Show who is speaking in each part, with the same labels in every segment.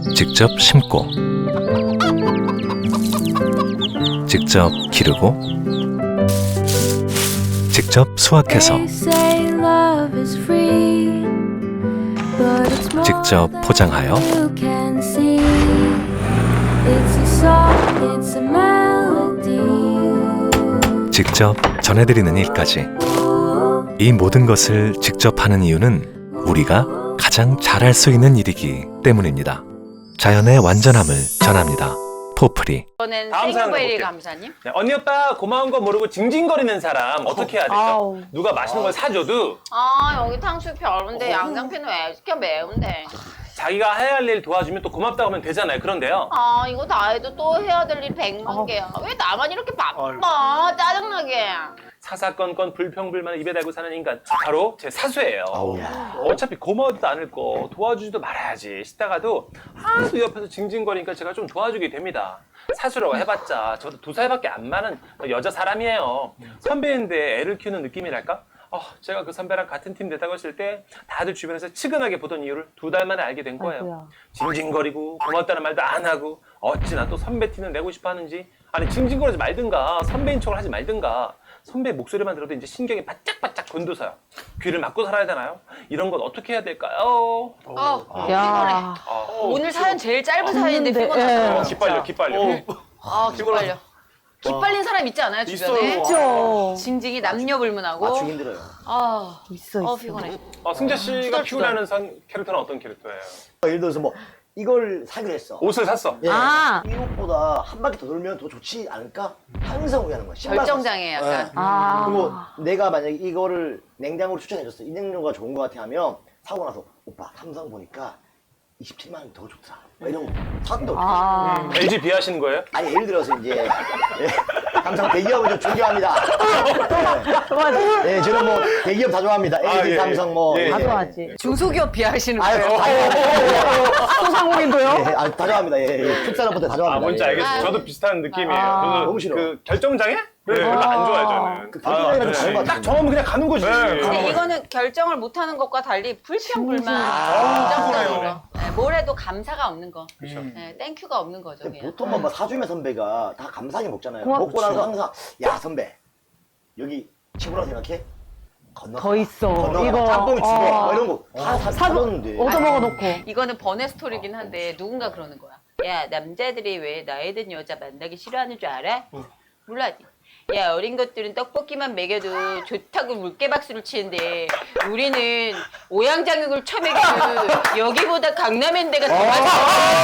Speaker 1: 직접 심고 직접 기르고 직접 수확해서 직접 포장하여 직접 전해드리는 일까지 이 모든 것을 직접 하는 이유는 우리가 가장 잘할 수 있는 일이기 때문입니다. 자연의 완전함을 전합니다. 포프리.
Speaker 2: 이번엔
Speaker 3: 다음 사연
Speaker 2: 생유베리
Speaker 3: 가볼게요.
Speaker 2: 감사님.
Speaker 3: 네, 언니 오빠 고마운 거 모르고 징징거리는 사람 어떻게 해야 될까?
Speaker 4: 아우.
Speaker 3: 누가 맛있는 걸 사줘도
Speaker 2: 아 여기 탕수육 별론데 양장피는 왜 시켜 매운데.
Speaker 3: 자기가 해야 할 일 도와주면 또 고맙다고 하면 되잖아요. 그런데요.
Speaker 2: 아 이거 다 해도 또 해야 될 일 100만 개야. 왜 나만 이렇게 바빠? 짜증나게.
Speaker 3: 사사건건 불평불만을 입에 달고 사는 인간 바로 제 사수예요. 어차피 고마워도 않을 거 도와주지도 말아야지 싶다가도 하도 옆에서 징징거리니까 제가 좀 도와주게 됩니다. 사수라고 해봤자 저도 2살밖에 안 많은 여자 사람이에요. 선배인데 애를 키우는 느낌이랄까? 제가 그 선배랑 같은 팀 됐다고 했을 때 다들 주변에서 측은하게 보던 이유를 2달 만에 알게 된 거예요.
Speaker 4: 아이고야.
Speaker 3: 징징거리고 고맙다는 말도 안 하고 어찌나 또 선배 티는 내고 싶어 하는지. 아니 징징거리지 말든가 선배인 척을 하지 말든가. 선배 목소리만 들어도 이제 신경이 바짝바짝 곤두서요. 귀를 막고 살아야 되나요? 이런 건 어떻게 해야 될까요?
Speaker 4: 야.
Speaker 2: 오늘 사연 제일 짧은 사연인데
Speaker 4: 없는데,
Speaker 2: 피곤하다.
Speaker 4: 예.
Speaker 3: 기빨려 기빨려.
Speaker 2: 아 기빨려. 기빨린 사람 있지 않아요 주변에?
Speaker 3: 있어요.
Speaker 4: 있죠.
Speaker 2: 징징이 남녀불문하고.
Speaker 5: 맞추기 힘들어요.
Speaker 2: 아
Speaker 4: 있어.
Speaker 2: 피곤해.
Speaker 3: 승재 씨가
Speaker 2: 투덜투덜.
Speaker 3: 피곤해하는 캐릭터는 어떤 캐릭터예요?
Speaker 5: 예를 들어서 뭐 이걸 사기로 했어.
Speaker 3: 옷을 샀어.
Speaker 5: 예.
Speaker 4: 아.
Speaker 5: 이 옷보다 한 바퀴 더 돌면 더 좋지 않을까? 항상 후회하는 거야. 신발
Speaker 2: 결정장애
Speaker 5: 샀어.
Speaker 2: 약간.
Speaker 5: 예.
Speaker 4: 아.
Speaker 5: 그리고 내가 만약에 이거를 냉장고로 추천해줬어. 이 냉장고가 좋은 것 같아 하면 사고 나서 오빠 삼성 보니까 27만 원 더 좋더라. 막 이런 거 샀는데 어떡해.
Speaker 4: 아.
Speaker 3: LG 비하시는 거예요?
Speaker 5: 아니 예를 들어서 이제 삼성 대기업을 좀 존경합니다.
Speaker 4: 맞아.
Speaker 5: 네, 저는 뭐 대기업 다 좋아합니다. LG,
Speaker 3: 예,
Speaker 5: 삼성 뭐.
Speaker 3: 예,
Speaker 4: 다
Speaker 3: 예.
Speaker 4: 좋아하지.
Speaker 2: 중소기업 비하시는
Speaker 5: 아유,
Speaker 2: 거예요.
Speaker 5: 다 좋아합니다.
Speaker 4: 소상공인도요?
Speaker 5: 예, 아, 다 좋아합니다. 예, 예. 특산업부터 다 좋아합니다.
Speaker 3: 뭔지
Speaker 5: 예.
Speaker 3: 알겠어요.
Speaker 2: 아.
Speaker 3: 저도 비슷한 느낌이에요.
Speaker 4: 아.
Speaker 3: 저도
Speaker 5: 너무 싫어.
Speaker 3: 그 결정장애? 네, 별로 안 좋아해요, 저는.
Speaker 5: 그 결정장애는 다른 것
Speaker 3: 딱
Speaker 5: 같은데.
Speaker 3: 정하면 그냥 가는 거지.
Speaker 2: 근데 이거는 결정을 못하는 것과 달리 불평불만,
Speaker 3: 아,
Speaker 2: 긍정적인
Speaker 3: 그래요.
Speaker 2: 거. 네, 뭘 해도 감사가 없는 거.
Speaker 3: 그렇죠.
Speaker 2: 네, 땡큐가 없는 거죠.
Speaker 5: 근데
Speaker 2: 그냥.
Speaker 5: 보통 뭐 사주면 선배가 다 감사하게 먹잖아요.
Speaker 4: 고맙-
Speaker 5: 먹고 나서 항상 야 선배 여기 친구라고 생각해? 건너.
Speaker 4: 더 있어.
Speaker 5: 건너.
Speaker 4: 이거,
Speaker 5: 짬뽕이 죽어. 뭐 이런 거 다
Speaker 4: 사고
Speaker 5: 사줬는데.
Speaker 4: 얻어먹어 놓고.
Speaker 2: 이거는 번외 스토리긴 한데 누군가 그러는 거야. 야 남자들이 왜 나이 든 여자 만나기 싫어하는 줄 알아? 몰라지. 야 어린 것들은 떡볶이만 먹여도 좋다고 물개박수를 치는데 우리는 오양장육을 쳐먹여도 여기보다 강남랜드가 더 맛있어.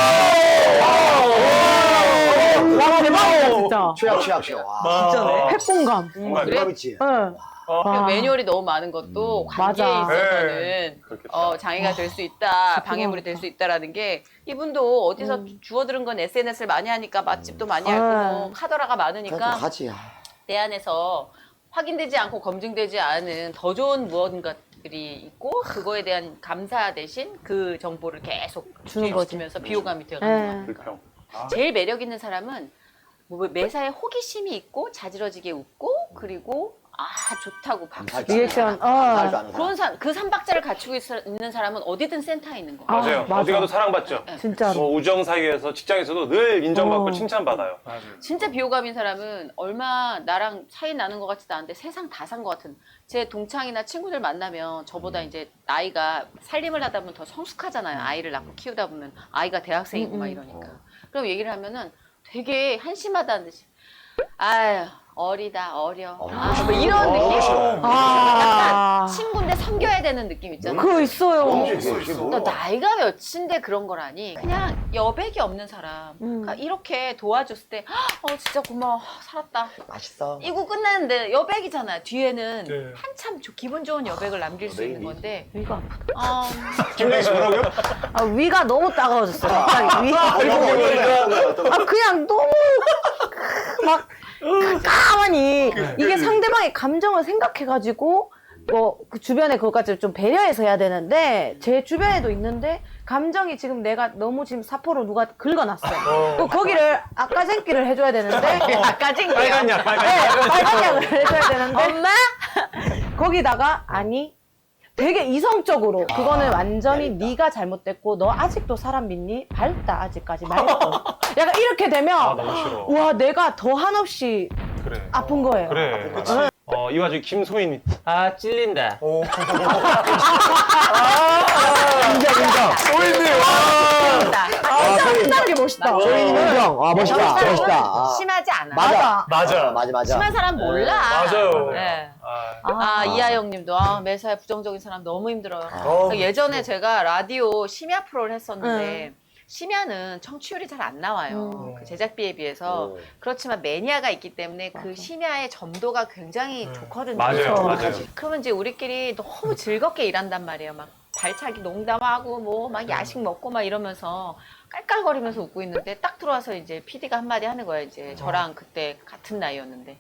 Speaker 4: 와 대박이다 진짜.
Speaker 5: 취약. 와.
Speaker 4: 진짜네. 핵공감.
Speaker 5: 정말
Speaker 2: 그래?
Speaker 5: 대박이지.
Speaker 4: 응. 와.
Speaker 2: 매뉴얼이 너무 많은 것도 관계에
Speaker 4: 맞아.
Speaker 2: 있어서는
Speaker 3: 네, 그렇겠다.
Speaker 2: 장애가 될 수 있다, 방해물이 될 수 있다라는 게 이분도 어디서 주워들은 건 SNS를 많이 하니까 맛집도 많이 알고 뭐 카더라가
Speaker 5: 그냥
Speaker 2: 많으니까
Speaker 5: 좀 가지.
Speaker 2: 내 안에서 확인되지 않고 검증되지 않은 더 좋은 무언가들이 있고 그거에 대한 감사 대신 그 정보를 계속
Speaker 4: 주는 거지.
Speaker 2: 주면서 비호감이 되어가는 거야.
Speaker 4: 예.
Speaker 3: 불평.
Speaker 2: 제일 매력 있는 사람은 뭐 매사에 호기심이 있고 자지러지게 웃고 그리고 좋다고 박수 치는
Speaker 4: 리액션.
Speaker 5: 감사할 줄 아는
Speaker 2: 그런
Speaker 5: 사람.
Speaker 2: 그 3박자를 갖추고 있는 사람은 어디든 센터에 있는 거야.
Speaker 4: 아,
Speaker 3: 맞아요.
Speaker 4: 맞아.
Speaker 3: 어디 가도 사랑받죠.
Speaker 4: 진짜로.
Speaker 3: 뭐 우정 사이에서 직장에서도 늘 인정받고
Speaker 4: 어.
Speaker 3: 칭찬받아요.
Speaker 2: 진짜 비호감인 사람은 얼마 나랑 차이 나는 것 같지도 않은데 세상 다 산 것 같은 제 동창이나 친구들 만나면 저보다 이제 나이가 살림을 하다 보면 더 성숙하잖아요. 아이를 낳고 키우다 보면 아이가 대학생이고 막 이러니까. 그럼 얘기를 하면은 되게 한심하다는 듯이 아유 어리다 어려 뭐 이런 느낌.
Speaker 4: 아.
Speaker 2: 친구인데 섬겨야 되는 느낌 있잖아.
Speaker 4: 그거 있어요.
Speaker 2: 너 나이가 몇인데 그런 거라니. 그냥 여백이 없는 사람. 그러니까 이렇게 도와줬을 때, 진짜 고마워. 살았다.
Speaker 5: 맛있어.
Speaker 2: 이거 끝났는데 여백이잖아. 뒤에는 한참 기분 좋은 여백을 남길 수 있는 건데.
Speaker 4: 위가 아프다.
Speaker 2: 아,
Speaker 3: 김대희 씨 뭐라고요?
Speaker 4: 아, 위가 너무 따가워졌어. 갑자기 위. 아 그냥 너무 막 가만히 이게 상대방의 감정을 생각해가지고 뭐 그 주변에 그것까지 좀 배려해서 해야 되는데 제 주변에도 있는데 감정이 지금 내가 너무 지금 사포로 누가 긁어놨어. 또 거기를 아까쟁기를 해줘야 되는데
Speaker 2: 아까 징
Speaker 3: 빨간 약, 빨간 약.
Speaker 4: 네, 빨간 약을 해줘야 되는데
Speaker 2: 엄마?
Speaker 4: 거기다가 아니 되게 이성적으로 그거는 완전히 네가 잘못됐고 너 아직도 사람 믿니? 밝다 아직까지 말고 약간 이렇게 되면
Speaker 3: 아, 너무 싫어.
Speaker 4: 와 내가 더 한없이
Speaker 3: 그래.
Speaker 4: 아픈 거예요.
Speaker 3: 그래. 이 와중에 김소희님. 아, 찔린다.
Speaker 5: 인정.
Speaker 4: 끝나는 게 멋있다.
Speaker 5: 조인 인정. 아, 멋있다. 멋있다. 아.
Speaker 2: 심하지 않아.
Speaker 5: 맞아.
Speaker 3: 맞아.
Speaker 5: 맞아.
Speaker 2: 심한 사람 몰라.
Speaker 3: 맞아요.
Speaker 2: 네.
Speaker 3: 아,
Speaker 2: 이하영님도 매사에 부정적인 사람 너무 힘들어요. 예전에 제가 라디오 심야 프로를 했었는데 심야는 청취율이 잘 안 나와요. 그 제작비에 비해서. 그렇지만 매니아가 있기 때문에 그 심야의 점도가 굉장히 좋거든요.
Speaker 3: 맞아요. 맞아요.
Speaker 2: 그러면 이제 우리끼리 너무 즐겁게 일한단 말이에요. 막 발차기 농담하고 뭐 막 야식 먹고 막 이러면서 깔깔거리면서 웃고 있는데 딱 들어와서 이제 PD가 한마디 하는 거예요. 이제 저랑 그때 같은 나이였는데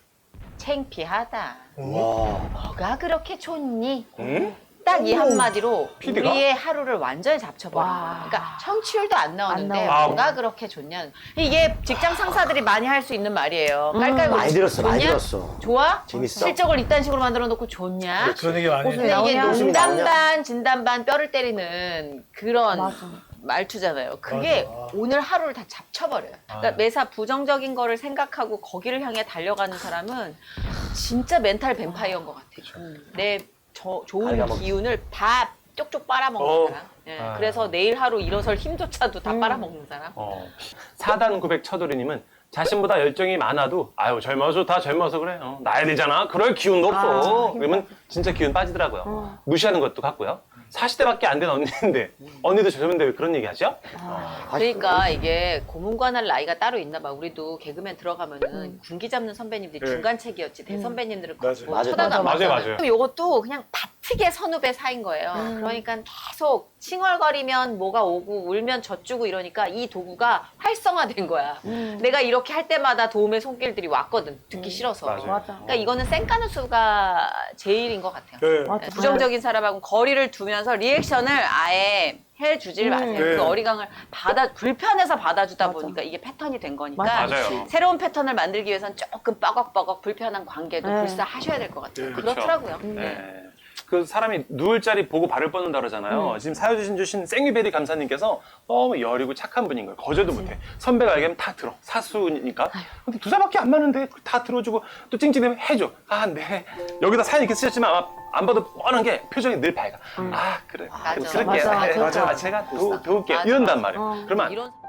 Speaker 2: 창피하다.
Speaker 5: 와.
Speaker 2: 뭐가 그렇게 좋니?
Speaker 3: 응?
Speaker 2: 딱 이 한마디로
Speaker 3: PD가?
Speaker 2: 우리의 하루를 완전히 잡쳐버린
Speaker 4: 와.
Speaker 2: 거야. 그러니까 청취율도 안 나오는데
Speaker 3: 나와.
Speaker 2: 뭐가 그렇게 좋냐. 이게 직장 상사들이 많이 할 수 있는 말이에요.
Speaker 5: 많이
Speaker 2: 깔깔거리면서
Speaker 5: 들었어. 많이
Speaker 2: 좋냐?
Speaker 5: 들었어.
Speaker 2: 좋아?
Speaker 5: 재밌어.
Speaker 2: 실적을 이딴 식으로 만들어 놓고 좋냐?
Speaker 6: 그런 얘기 많이
Speaker 4: 웃음이
Speaker 6: 해요.
Speaker 2: 근데 이게
Speaker 4: 나오냐?
Speaker 5: 웃음이
Speaker 2: 농담
Speaker 5: 나오냐?
Speaker 2: 반 진담 반 뼈를 때리는 그런
Speaker 4: 맞아.
Speaker 2: 말투잖아요. 그게
Speaker 6: 맞아.
Speaker 2: 오늘 하루를 다 잡쳐버려요. 그러니까 매사 부정적인 거를 생각하고 거기를 향해 달려가는 사람은 진짜 멘탈 뱀파이어인 것 같아요. 내 좋은
Speaker 5: 갉아먹지.
Speaker 2: 기운을 다 쪽쪽 빨아먹는
Speaker 3: 어.
Speaker 2: 사람. 예,
Speaker 3: 아.
Speaker 2: 그래서 내일 하루 일어설 힘조차도 다 빨아먹는 사람.
Speaker 3: 4단 900 처돌이님은 자신보다 열정이 많아도 아유 젊어서 다 젊어서 그래. 나야 되잖아. 그럴 기운도 없어. 그러면 진짜 기운 빠지더라고요. 무시하는 것도 같고요. 40대밖에 안 된 언니인데 언니도 젊은데 왜 그런 얘기 하죠?
Speaker 2: 그러니까 이게 고문관할 나이가 따로 있나 봐. 우리도 개그맨 들어가면은 군기 잡는 선배님들이
Speaker 6: 네.
Speaker 2: 중간책이었지. 대선배님들을
Speaker 6: 맞아요.
Speaker 2: 걷고
Speaker 5: 맞아요.
Speaker 2: 쳐다도 안
Speaker 3: 맞아요,
Speaker 2: 봤잖아요.
Speaker 3: 맞아요.
Speaker 2: 그럼 요것도 그냥 바트게 선후배 사이인 거예요. 그러니까 계속 칭얼거리면 뭐가 오고 울면 젖주고 이러니까 이 도구가 활성화된 거야. 내가 이렇게 할 때마다 도움의 손길들이 왔거든. 듣기 싫어서.
Speaker 3: 맞아요.
Speaker 4: 맞아.
Speaker 2: 그러니까 이거는 쌩까누수가 제일인 것 같아요.
Speaker 6: 네.
Speaker 4: 맞아.
Speaker 2: 부정적인 사람하고 거리를 두면서 리액션을 아예 해주질 마세요.
Speaker 6: 네.
Speaker 2: 그 어리광을 불편해서 받아주다 보니까 이게 패턴이 된 거니까
Speaker 3: 맞아요.
Speaker 2: 새로운 패턴을 만들기 위해선 조금 뻐걱뻐걱 불편한 관계도
Speaker 4: 네.
Speaker 2: 불사하셔야 될 것 같아요.
Speaker 6: 네.
Speaker 2: 그렇더라고요.
Speaker 3: 네. 그 사람이 누울 자리 보고 발을 뻗는다 그러잖아요. 지금 사연 주신 생유베리 감사님께서 너무 여리고 착한 분인 거예요. 거절도 못해. 선배가 얘기하면 다 들어. 사수니까. 근데 두 살밖에 안 많은데 다 들어주고 또 찡찡대면 해줘. 아, 네. 여기다 사연 이렇게 쓰셨지만 아마 안 봐도 뻔한 게 표정이 늘 밝아. 아, 그래.
Speaker 2: 맞아.
Speaker 3: 그럴게요.
Speaker 4: 맞아.
Speaker 3: 네,
Speaker 4: 맞아.
Speaker 3: 제가 도울게요. 이런단 말이에요. 그러면
Speaker 2: 이런